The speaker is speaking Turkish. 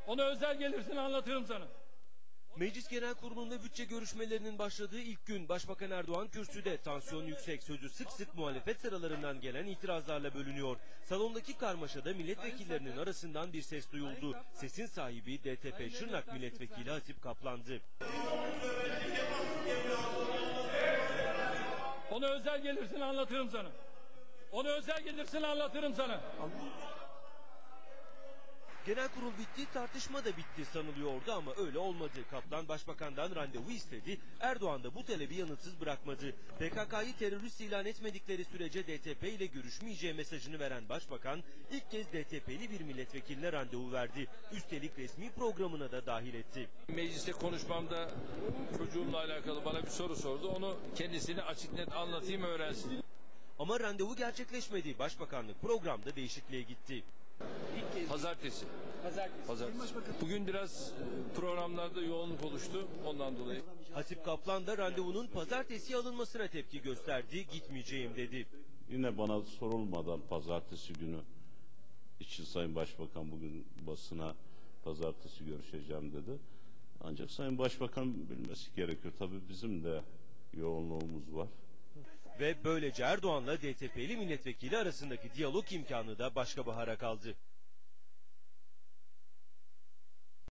Ona özel gelirsin, anlatırım sana. Meclis Genel Kurulu'nda bütçe görüşmelerinin başladığı ilk gün Başbakan Erdoğan kürsüde, tansiyon yüksek, sözü sık sık muhalefet sıralarından gelen itirazlarla bölünüyor. Salondaki karmaşada milletvekillerinin arasından bir ses duyuldu. Sesin sahibi DTP Şırnak Milletvekili Hasip Kaplan'dı. Ona özel gelirsin, anlatırım sana. Ona özel gelirsin, anlatırım sana. Genel kurul bitti, tartışma da bitti sanılıyordu ama öyle olmadı. Kaplan Başbakan'dan randevu istedi, Erdoğan da bu talebi yanıtsız bırakmadı. PKK'yı terörist ilan etmedikleri sürece DTP ile görüşmeyeceği mesajını veren Başbakan ilk kez DTP'li bir milletvekiline randevu verdi. Üstelik resmi programına da dahil etti. Mecliste konuşmamda çocuğumla alakalı bana bir soru sordu. Onu kendisine açık net anlatayım, öğrensin. Ama randevu gerçekleşmedi. Başbakanlık programda değişikliğe gitti. Pazartesi. Bugün biraz programlarda yoğunluk oluştu, ondan dolayı. Hasip Kaplan da randevunun pazartesi alınmasına tepki gösterdi, gitmeyeceğim dedi. Yine bana sorulmadan pazartesi günü için Sayın Başbakan bugün basına pazartesi görüşeceğim dedi. Ancak Sayın Başbakan bilmesi gerekiyor. Tabii bizim de yoğunluğumuz var. Ve böylece Erdoğan'la DTP'li milletvekili arasındaki diyalog imkanı da başka bahara kaldı.